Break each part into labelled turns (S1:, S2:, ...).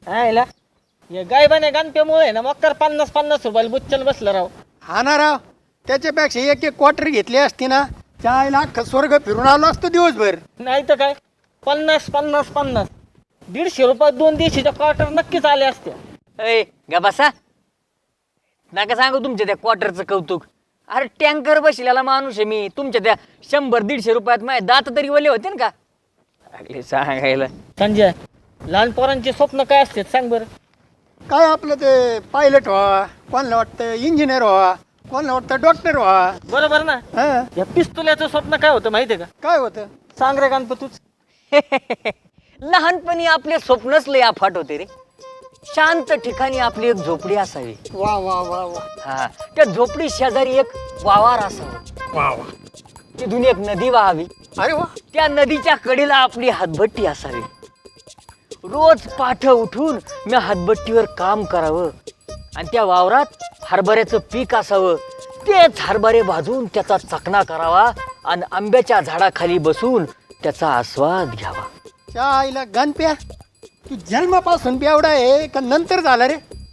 S1: आयला हे गायबाने गणप्यामुळे ना मग तर 50-50 रुपयाला बुच्चन बसलं राव.
S2: हा ना राव, त्याच्यापेक्षा एक एक क्वार्टर घेतली असती ना, चायला अख्खं स्वर्ग फिरून आलो असतो दिवसभर.
S1: नाही तर काय 50-50-50 150 रुपयात 2 दिवशीच्या क्वार्टर नक्कीच आले असते.
S3: अय गा बसा, नका सांगू तुमच्या त्या क्वार्टरचं कौतुक. अरे टँकर बसलेला माणूस आहे मी. तुमच्या त्या 100-150 रुपयात माझे दात तरी वले होते ना का. लागले सांगायला.
S1: संजय, लहान पोरांचे स्वप्न काय असते सांग बरं.
S2: काय आपलं ते पायलट व्हा, कोणाला वाटतं इंजिनियर व्हा, कोणाला वाटतं डॉक्टर व्हा.
S1: बरोबर ना.
S2: हा,
S1: या पिस्तुल्याचं स्वप्न काय होतं माहितीये का?
S2: काय होतं?
S1: सांग रे गणपत तूच.
S3: लहानपणी आपले स्वप्नच लय अफाट होते रे. शांत ठिकाणी आपली एक झोपडी असावी.
S2: वा वा वा वा
S3: हा, त्या झोपडी शेजारी एक वावर असावं.
S2: वा वा.
S3: तिथून एक नदी वाहावी.
S2: अरे वा.
S3: त्या नदीच्या कडेला आपली हातभट्टी असावी. रोज पाठ उठून मी हातभट्टीवर काम करावं आणि त्या वावरात हरभऱ्याचं पीक असावं. तेच हरभरे भाजून त्याचा चकना करावा आणि आंब्याच्या झाडाखाली बसून त्याचा आस्वाद घ्यावा.
S2: चायला गणप्या, तू जन्मापासून बेवडा आहे का नंतर झाला रे?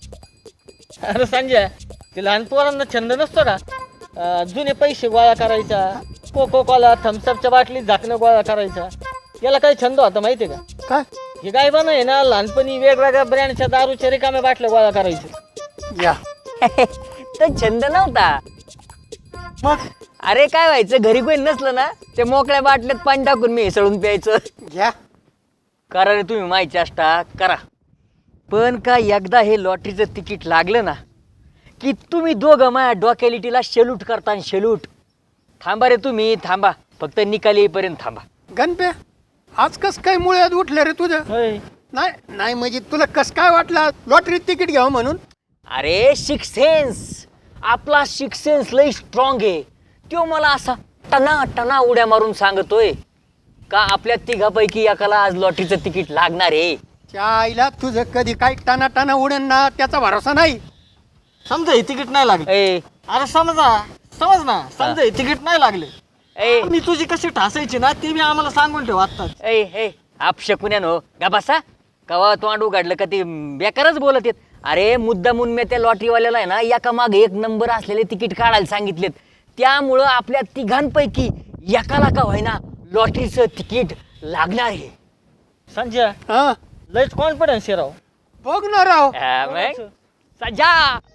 S1: अरे संजय, ते लहान पोरांना छंद नसतो का? जुने पैसे गोळा करायचा, कोको कोला थम्सअपच्या बाटलीत झाकणं गोळा करायचा. याला काही छंद होता माहितीये का?
S2: काय?
S1: हे गायबानं आहे ना लहानपणी वेगवेगळ्या ब्रँडच्या दारूच्या रिकाम्या बाटल्या गोळा करायचे.
S2: या
S3: तर छंद नव्हता.
S2: मग
S3: अरे काय व्हायचं, घरी कोणी नसलं ना ते मोकळ्या बाटल्यात पाणी टाकून मी हेसळून प्यायचं.
S2: घ्या.
S3: करा रे तुम्ही माहिती चेष्टा करा. पण का एकदा हे लॉटरीचं तिकीट लागलं ना की तुम्ही दोघं माझ्या डोक्यालिटीला शेलूट करता. शेलूट. थांबा रे तुम्ही, थांबा. फक्त निकाल येईपर्यंत थांबा.
S2: गणप्या, आज कस काय मुळ्यात उठलं रे तुझं?
S1: होय.
S2: नाही नाही, म्हणजे तुला कस काय वाटलं लॉटरीत तिकीट घ्यावं म्हणून?
S3: अरे सिक्स सेन्स, आपला सिक्स सेन्स लई स्ट्रॉंग आहे. तो मला असा टना टना उड्या मारून सांगतोय का आपल्या तिघापैकी एकाला आज लॉटरीचं तिकीट लागणार आहे.
S2: चायला तुझं कधी काय टाना टाना उडेन ना, त्याचा भरोसा नाही.
S1: समजा हे तिकीट नाही लागले.
S3: ए
S1: अरे समज ना, समजा हे तिकीट नाही लागले.
S3: ए
S1: मी तुझी कशी ठासायची ना ते मी आम्हाला सांगून ठेव आत्ताच.
S3: ए ए आपशकुन्यानो गा बसा. कवा तोंड उघडलं का ते बेकारच बोलत येत. अरे मुद्दामून मी त्या लॉटरीवाल्याला आहे ना एका मागे एक नंबर असलेले तिकीट काढायला सांगितलेत. त्यामुळं आपल्या तिघांपैकी एकाला का व्हायना लॉटरीचं तिकीट लागणार आहे.
S1: संजय,
S2: हा,
S1: लयच कॉन्फिडन्स आहे राव.
S2: बघ ना राव.
S3: मग संजा,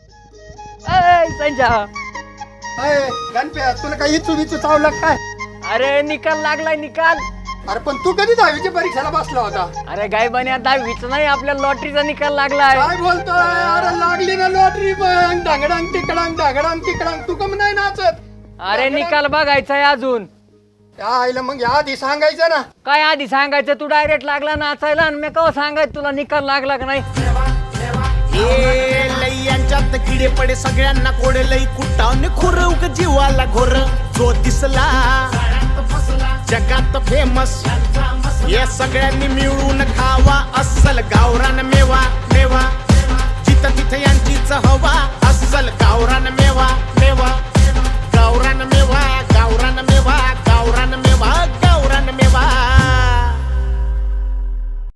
S3: ए संजा,
S2: अय, गणप्या, तुला काही इचू बिचू चावलं काय?
S3: अरे निकाल लागलाय निकाल.
S2: अरे पण तू कधी 10वीच्या परीक्षेला बसला होता?
S3: अरे गायबाने 10वीच नाही आपल्या लॉटरीचा निकाल लागलाय.
S2: काय बोलतोय? अरे लागली ना लॉटरी, पण ढांगडांग तिकडांग ढांगडांग तिकडांग. तू कम नाही नाचत?
S3: अरे निकाल बघायचा आहे अजून.
S2: आईला मग आधी सांगायचं ना.
S3: काय आधी सांगायचं, तू डायरेक्ट लागला नाचायला आणि मी कवा सांगायचं तुला निकाल लागला का नाही.
S4: लई यांच्यात किडे पडे सगळ्यांना कोडे लई कुटावने खुरवक जीवाला घोर जो दिसला जगात फेमस या सगळ्यांनी मिळून खावा अस्सल गावरान मेवा मेवा जिथं तिथं यांचीच हवा अस्सल गावरान मेवा मेवा गावरान मेवा गावरान मेवा.